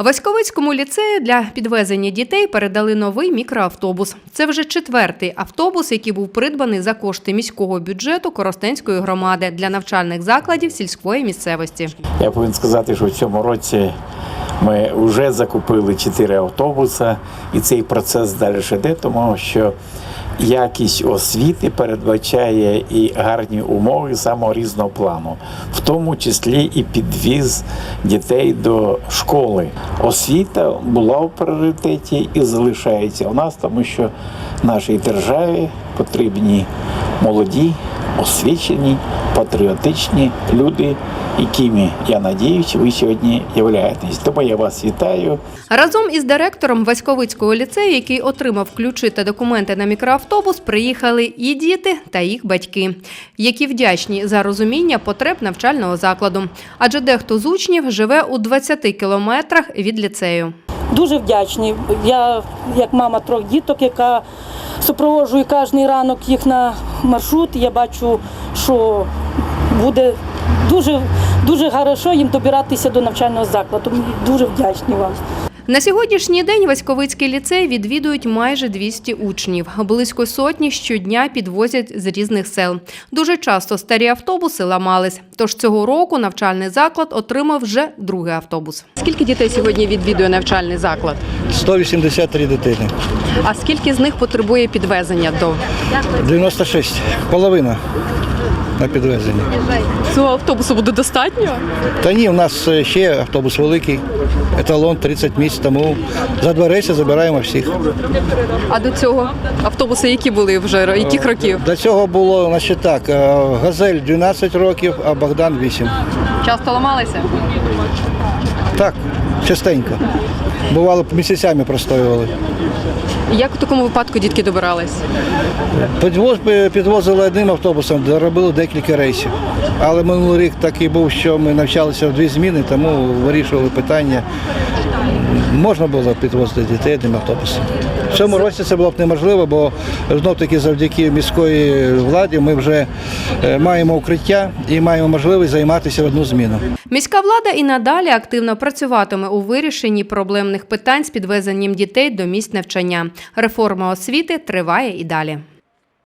Васьковицькому ліцею для підвезення дітей передали новий мікроавтобус. Це вже 4-й автобус, який був придбаний за кошти міського бюджету Коростенської громади для навчальних закладів сільської місцевості. Я повинен сказати, що в цьому році ми вже закупили 4 автобуси, і цей процес далі йде, тому що якість освіти передбачає і гарні умови самого різного плану, в тому числі і підвіз дітей до школи. Освіта була в пріоритеті і залишається у нас, тому що нашій державі потрібні молоді, освічені, патріотичні люди, якими, я надіюсь, ви сьогодні являєтесь. Тому я вас вітаю. Разом із директором Васьковицького ліцею, який отримав ключі та документи на мікроавтобус, приїхали і діти та їх батьки, які вдячні за розуміння потреб навчального закладу. Адже дехто з учнів живе у 20 кілометрах від ліцею. Дуже вдячні. Я, як мама 3 діток, яка супроводжує кожен ранок їх на маршрут, я бачу, що буде дуже хорошо їм добиратися до навчального закладу. Дуже вдячні вам. На сьогоднішній день Васьковицький ліцей відвідують майже 200 учнів. Близько сотні щодня підвозять з різних сел. Дуже часто старі автобуси ламались. Тож цього року навчальний заклад отримав вже 2-й автобус. Скільки дітей сьогодні відвідує навчальний заклад? 183 дитини. А скільки з них потребує підвезення до? 96. Половина на підвезення. Цього автобусу буде достатньо? Та ні, у нас ще автобус великий, еталон 30 місць, тому за 2 рейси забираємо всіх. А до цього автобуси які були вже? Яких років? До цього було, значить так, «Газель» 12 років, а «Богдан» 8. Часто ламалися? Так, частенько. Бувало, місяцями простоювали. Як у такому випадку дітки добирались? Підвозили одним автобусом, робили декілька рейсів. Але минулий рік такий був, що ми навчалися в 2 зміни, тому вирішували питання. Можна було підвозити дітей одним автобусом. В цьому році це було б неможливо, бо знов-таки завдяки міської владі ми вже маємо укриття і маємо можливість займатися в 1 зміну. Міська влада і надалі активно працюватиме у вирішенні проблемних питань з підвезенням дітей до місць навчання. Реформа освіти триває і далі.